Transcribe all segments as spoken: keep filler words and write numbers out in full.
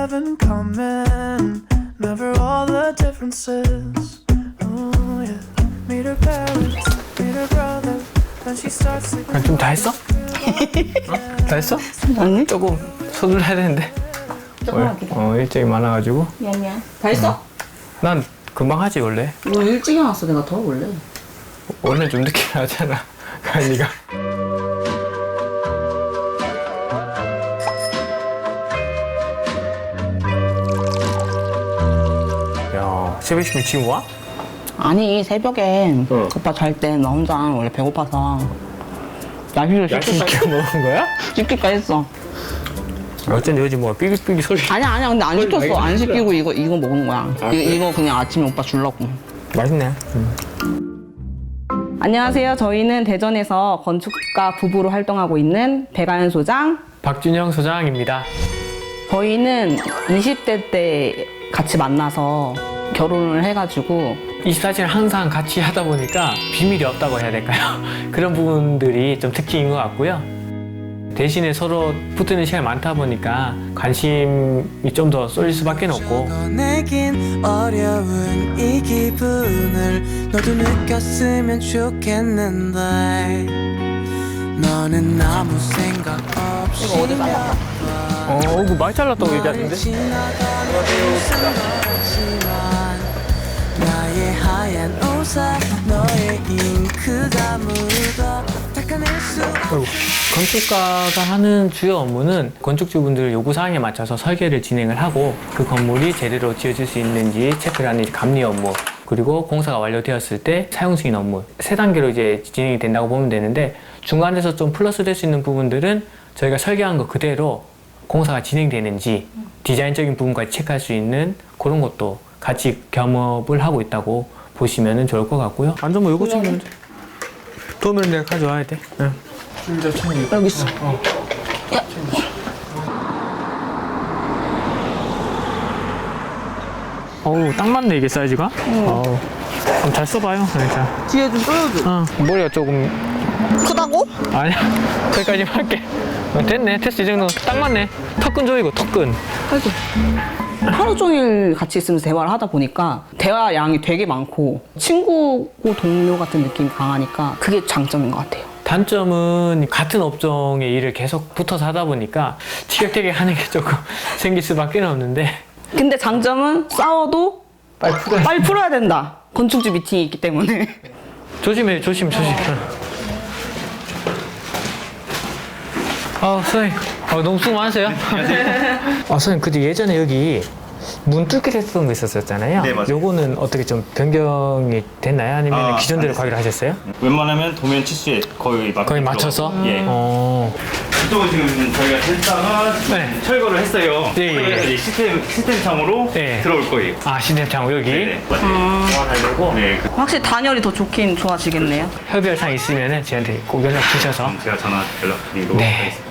have in common. Never all the differences. Oh yeah. Meet her parents, meet her brother. Then she starts to. 좀 다 했어? 어? 다 했어? 아니? 조금 서둘러야 되는데. 조금만 기다려. 어, 일정이 많아가지고. 미안 미안. 다 했어? 난 금방 하지 원래. 너 일찍 일어났어. 내가 더 원래. 원래 좀 늦게 하잖아. 가인이가. 야, 새벽이면 지금 와? 아니 새벽에 어. 오빠 잘 때 나 혼자 원래 배고파서 야식을 야식 시킬까 시켜 먹은 거야? 시킬까 했어. 어쩐지 요즘 뭐 삐빅삐빅 소리. 아니야 아니야 근데 안 거의 시켰어. 많이 안 시키고 이거 이거 먹은 거야. 아, 이거, 그래? 이거 그냥 아침에 오빠 주려고. 맛있네. 음. 안녕하세요. 저희는 대전에서 건축가 부부로 활동하고 있는 배가연 소장. 박준영 소장입니다. 저희는 이십 대 때 같이 만나서 결혼을 해가지고 이십사 시를 항상 같이 하다 보니까 비밀이 없다고 해야 될까요? 그런 부분들이 좀 특징인 것 같고요. 대신에 서로 붙는 시간이 많다 보니까 관심이 좀 더 쏠릴 수밖에 없고. 내긴 어려운 이 기분을 너도 느꼈으면 좋겠는데 너는 아무 생각 없이 이거 어디 잘랐다. 어, 이거 많이 잘랐다고 얘기하던데? 나의 하얀 옷에 너의 잉크가 묻어 닦아낼 수 어이구. 건축가가 하는 주요 업무는 건축주분들 요구사항에 맞춰서 설계를 진행을 하고 그 건물이 제대로 지어질 수 있는지 체크를 하는 감리 업무, 그리고 공사가 완료되었을 때 사용 승인 업무, 세 단계로 이제 진행이 된다고 보면 되는데, 중간에서 좀 플러스 될 수 있는 부분들은 저희가 설계한 거 그대로 공사가 진행되는지 디자인적인 부분까지 체크할 수 있는 그런 것도 같이 겸업을 하고 있다고 보시면 좋을 것 같고요. 완전 뭐 요거 챙기면 돼. 도움을 내가 가져와야 돼. 응. 진짜 챙기. 여기 있어. 어. 야. 어우, 딱 맞네 이게 사이즈가. 응. 어우. 그럼 잘 써봐요. 네, 자. 뒤에 좀 쪼여줘. 어. 머리가 조금 크다고? 아니야. 거기까지 할게. 어, 됐네. 됐어. 이 정도 딱 맞네. 턱근 조이고 턱근. 아이고. 하루 종일 같이 있으면서 대화를 하다 보니까 대화 양이 되게 많고 친구고 동료 같은 느낌이 강하니까 그게 장점인 것 같아요. 단점은 같은 업종의 일을 계속 붙어서 하다 보니까 티격태격 하는 게 조금 생길 수밖에 없는데. 근데 장점은 싸워도 빨리 풀어야 빨리 풀어야 된다. 건축주 미팅이 있기 때문에. 조심해, 조심, 조심. 아, 선생님. 아, 너무 수고 많으세요? 아, 선생님, 근데 예전에 여기 문 뚫기를 했던 거 있었잖아요. 네, 맞아요. 요거는 어떻게 좀 변경이 됐나요? 아니면 아, 기존대로 안 가기로 하셨어요? 웬만하면 도면 치수에 거의 맞 거의 맞춰서? 예. 어. 이쪽은 지금 저희가 했다가 네. 철거를 했어요. 예, 예. 그래서 이제 시스템 시스템상으로 네. 들어올 거예요. 아, 시스템창 여기? 네, 맞아요. 하려고? 네, 그- 확실히 단열이 더 좋긴 좋아지겠네요. 협의할상 있으면 저한테 꼭 연락 주셔서. 그럼 제가 전화 연락드리도록 네. 하겠습니다.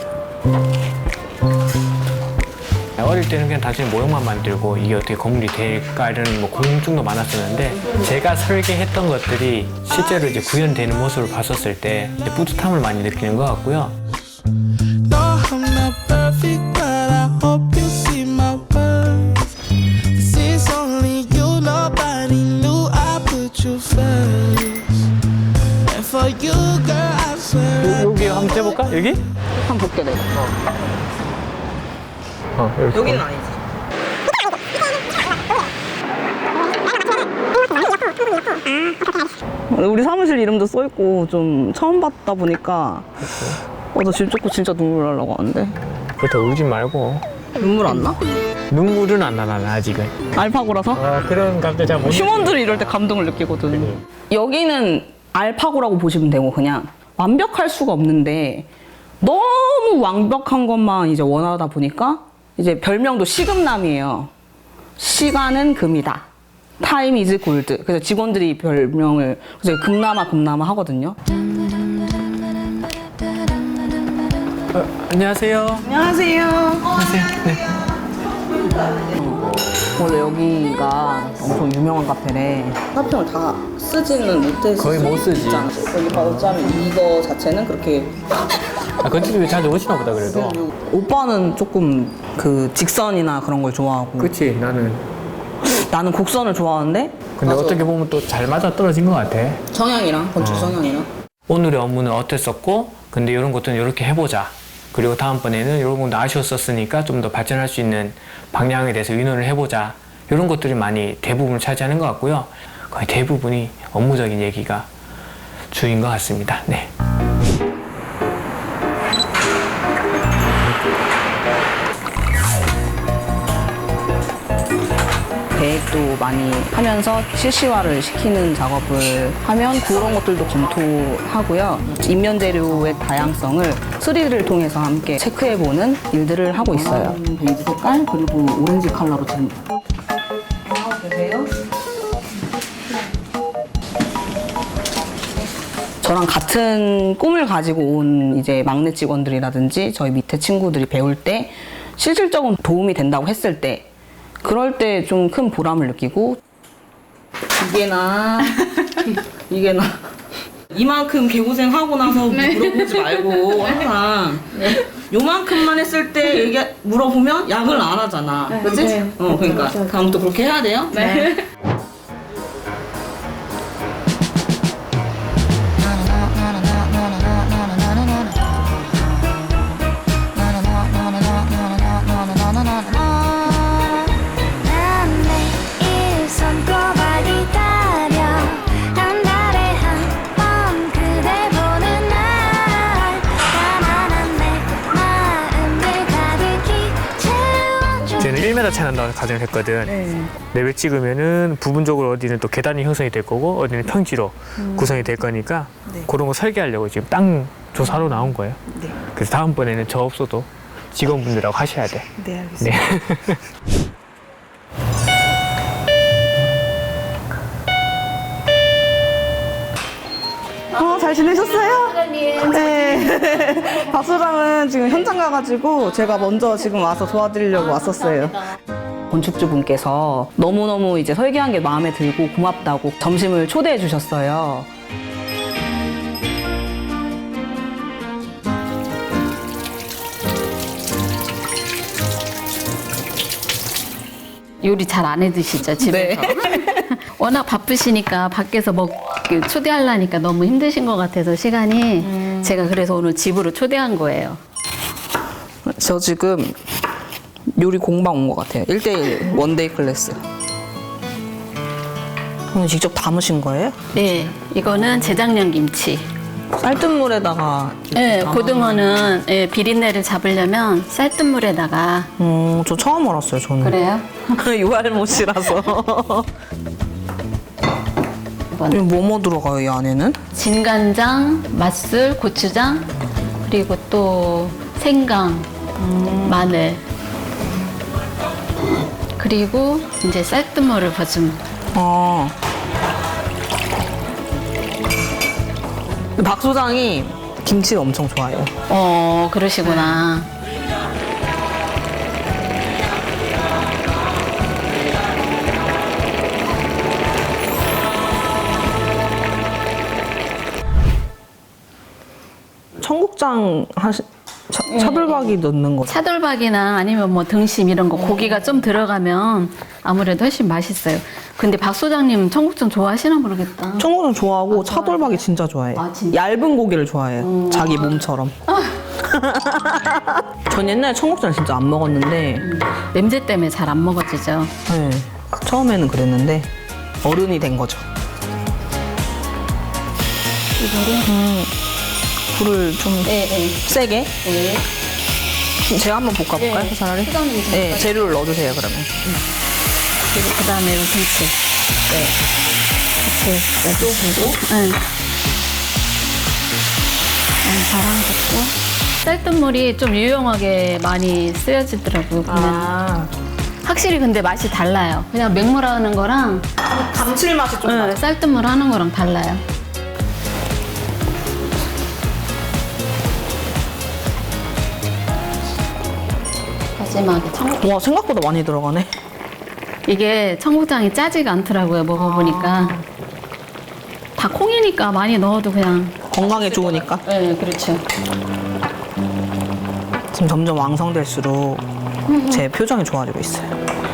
어릴 때는 그냥 단순히 모형만 만들고 이게 어떻게 건물이 될까 이런 뭐 궁금증도 많았었는데, 제가 설계했던 것들이 실제로 이제 구현되는 모습을 봤었을 때 이제 뿌듯함을 많이 느끼는 것 같고요. No, I'm not perfect, but I hope you see my worth. This is only you, nobody knew I put you first. And for you, girl, I swear. 여기 한번 해볼까? 여기? 한번 볼게 내가. 어, 이렇게. 여기는 아니지. 우리 사무실 이름도 써있고 좀 처음 봤다 보니까 어, 나 지금 조금 진짜 눈물 나려고 하는데. 그렇다 울지 말고. 눈물 안 나? 눈물은 안 나, 나는 아직은. 알파고라서? 아, 그런 감정 잘 못. 휴먼들이 이럴 때 감동을 느끼거든. 여기는 알파고라고 보시면 되고, 그냥 완벽할 수가 없는데 너무 완벽한 것만 이제 원하다 보니까 이제 별명도 시금남이에요. 시간은 금이다. 타임 이즈 골드. 그래서 직원들이 별명을 그래서 금남아 금남아 하거든요. 어, 안녕하세요. 안녕하세요. 안녕하세요. 네. 원래 여기가 엄청 유명한 카페래. 화평을 다 쓰지는 못해서 거의 못 쓰지. 여기 봐 어쩌면 이거 자체는 그렇게 아, 건축주에 자주 오시나 보다 그래도. 오빠는 조금 그 직선이나 그런 걸 좋아하고 그치, 나는. 나는 곡선을 좋아하는데 근데 어떻게 보면 또 잘 맞아 떨어진 것 같아. 성향이랑 건축 성향이랑 오늘의 업무는 어땠었고, 근데 이런 것들은 이렇게 해보자. 그리고 다음번에는 이런 건 아쉬웠었으니까 좀 더 발전할 수 있는 방향에 대해서 의논을 해보자. 이런 것들이 많이 대부분을 차지하는 것 같고요. 거의 대부분이 업무적인 얘기가 주인 것 같습니다. 네. 계획도 많이 하면서 실시화를 시키는 작업을 하면 그런 것들도 검토하고요. 인면 재료의 다양성을 쓰리디를 통해서 함께 체크해보는 일들을 하고 있어요. 베이지 색깔 그리고 오렌지 컬러로 지금 계세요? 저랑 같은 꿈을 가지고 온 이제 막내 직원들이라든지 저희 밑에 친구들이 배울 때 실질적으로 도움이 된다고 했을 때 그럴 때 좀 큰 보람을 느끼고 이게나 이게나 이만큼 개고생하고 나서 물어보지 말고 항상 요만큼만 했을 때 얘기 물어보면 약을 안 하잖아. 그치? 네. 어, 그러니까 다음부터 그렇게 해야 돼요? 네. 난 매일 손꼽아 기다려 한 달에 한 번 그댈 보는 날 가난한 내 마음을 가득히 채워줘. 쟤는 일 미터 차이 난다고 가정을 했거든. 랩을 찍으면은 부분적으로 어디는 또 계단이 형성이 될 거고 어디는 평지로 구성이 될 거니까 그런 거 설계하려고 지금 땅 조사로 나온 거예요. 그래서 다음번에는 저 없어도 직원분들하고 하셔야 돼. 네, 알겠습니다. 네. 어, 잘 지내셨어요? 네. 박소장은 지금 현장 가가지고 제가 먼저 지금 와서 도와드리려고 왔었어요. 건축주분께서 너무너무 이제 설계한 게 마음에 들고 고맙다고 점심을 초대해 주셨어요. 요리 잘 안 해 드시죠, 집에서? 워낙 바쁘시니까 밖에서 먹 그 초대하려니까 너무 힘드신 것 같아서 시간이 제가 그래서 오늘 집으로 초대한 거예요. 저 지금 요리 공방 온 것 같아요. 일 대일 원데이 클래스. 오늘 직접 담으신 거예요? 네, 이거는 재작년 김치. 쌀뜨물에다가. 네, 고등어는 예, 비린내를 잡으려면 쌀뜨물에다가. 음, 저 처음 알았어요, 저는. 그래요? 유알못이라서. 이거 뭐뭐 들어가요, 이 안에는? 진간장, 맛술, 고추장, 그리고 또 생강, 마늘. 그리고 이제 쌀뜨물을 버좀. 아. 박 소장이 김치를 엄청 좋아해요. 어, 그러시구나. 청국장 하시, 차, 차돌박이 넣는 거. 차돌박이나 아니면 뭐 등심 이런 거 고기가 좀 들어가면 아무래도 훨씬 맛있어요. 근데 박 소장님 청국장 좋아하시나 모르겠다. 청국장 좋아하고 차돌박이 진짜 좋아해요. 아, 진짜? 얇은 고기를 좋아해요. 자기 몸처럼. 전 옛날에 청국장 진짜 안 먹었는데 냄새 때문에 잘 안 먹어지죠. 네, 처음에는 그랬는데 어른이 된 거죠. 음, 불을 좀 네, 네. 세게. 네. 제가 한번 볶아볼까요? 네. 차라리? 소장님 네, 잠깐. 재료를 넣어주세요 그러면. 그리고 그 다음에 김치. 네. 김치. 네. 또 보고. 네. 바람 붓고. 쌀뜨물이 좀 유용하게 많이 쓰여지더라고요. 보면. 아, 확실히 근데 맛이 달라요. 그냥 맹물 하는 거랑 감칠맛이 좀 네, 나요. 쌀뜨물 하는 거랑 달라요. 마지막에 청국 와, 생각보다 많이 들어가네. 이게 청국장이 짜지가 않더라고요. 먹어보니까 다 콩이니까 많이 넣어도 그냥 건강에 좋으니까. 네, 그렇죠. 지금 점점 왕성될수록 제 표정이 좋아지고 있어요.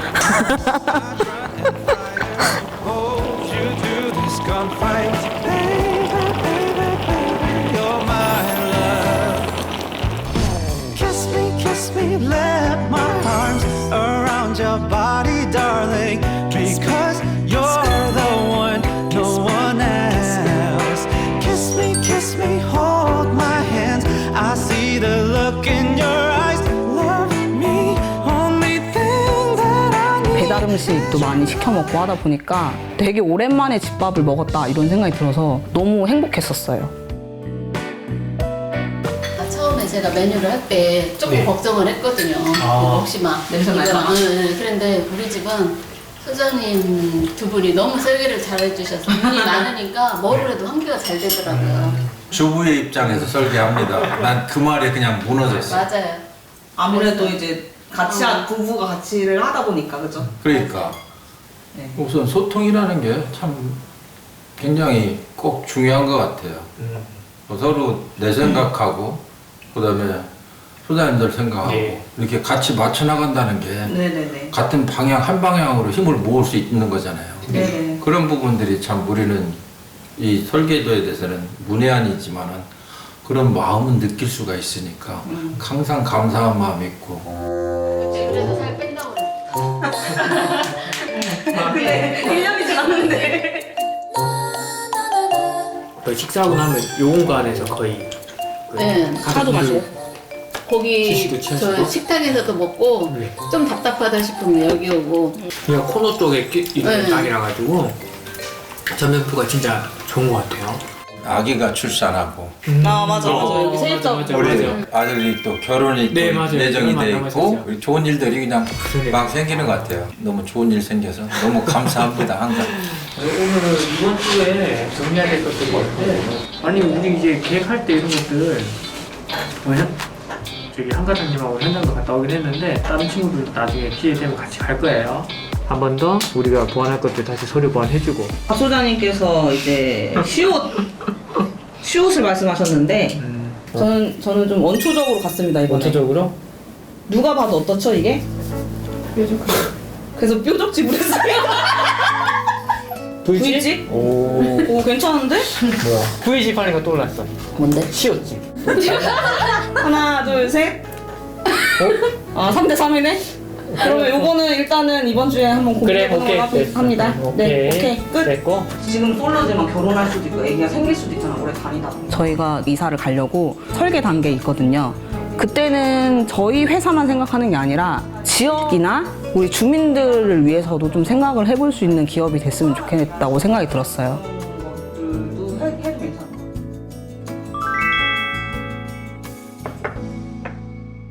Hold you through this gunfight. Baby, baby, baby, you're my love. Kiss me, kiss me, let my arms around your body, darling. Because you're the one, no one else. Kiss me, kiss me, hold my hands. I see the look in your eyes. Love me, only thing that I need. 배달 음식도 많이 시켜 먹고 하다 보니까 되게 오랜만에 집밥을 먹었다 이런 생각이 들어서 너무 행복했었어요. 아, 처음에 제가 메뉴를 할 때 조금 네. 걱정을 했거든요. 아. 혹시 막 냄새 이거- 날까 봐? 네, 네. 그런데 우리 집은 소장님 두 분이 너무 설계를 잘해주셔서 분이 많으니까 뭐를 해도 한 개가 잘 되더라고요. 주부의 입장에서 설계합니다. 난 그 말에 그냥 무너졌어. 맞아요. 아무래도 이제 같이 한 부부가 같이 일을 하다 보니까 그죠? 그러니까 네. 우선 소통이라는 게 참 굉장히 꼭 중요한 것 같아요. 뭐 서로 내 생각하고 그다음에 소장님들 생각하고 네. 이렇게 같이 맞춰 나간다는 게 네네네. 같은 방향 한 방향으로 힘을 모을 수 있는 거잖아요. 네네. 그런 부분들이 참 우리는 이 설계도에 대해서는 문외한이지만은 그런 마음은 느낄 수가 있으니까 항상 감사한 마음이 있고. 그래서 살 뺀다고 그랬어요. 근데 일 년이 지났는데. 또 식사하고 나면 요 공간에서 거의 그 네, 차도 마시고. 거기 지시도 취하시고? 저 식탁에서도 먹고 네. 좀 답답하다 싶으면 여기 오고 그냥 코너 쪽에 끼- 있는 네. 땅이라 가지고 전면표가 진짜 좋은 것 같아요. 아기가 출산하고 아 맞아 맞아 여기 세입자. 어, 맞아, 우리 맞아. 아들이 또 결혼이 네, 또 맞아요. 예정이 그건 돼 맞아요. 있고 맞아요. 우리 좋은 일들이 그냥 그래요. 막 생기는 것 같아요. 너무 좋은 일 생겨서 너무 감사합니다 항상. 오늘은 이번 주에 정리해야 될 것들이 있는데 아니 우리 이제 계획할 때 이런 것들 뭐냐? 저기 한가장님하고 현장도 갔다 오긴 했는데 다른 친구들 나중에 기회 되면 같이 갈 거예요. 한 번 더 우리가 보완할 것들 다시 서류 보완해주고. 박 소장님께서 이제 시옷 시옷을 말씀하셨는데 음, 저는 저는 좀 원초적으로 갔습니다 이번에. 원초적으로 누가 봐도 어떻죠 이게? 뾰족. 그래서 뾰족 지불했어요. V집? 오 오 괜찮은데? 뭐야? V집 하니까 떠올랐어. 뭔데? 시옷집. 하나 둘 셋. 어? 아 삼 대 삼이네. 그러면 요거는 일단은 이번 주에 한번 그래 공개해보는 오케이 걸로 됐어. 합니다. 네 오케이 끝. 됐고. 지금 솔로지만 결혼할 수도 있고 애기가 생길 수도 있잖아 오래 다니다 보면. 저희가 이사를 가려고 설계 단계에 있거든요. 그때는 저희 회사만 생각하는 게 아니라 지역이나 우리 주민들을 위해서도 좀 생각을 해볼 수 있는 기업이 됐으면 좋겠다고 생각이 들었어요.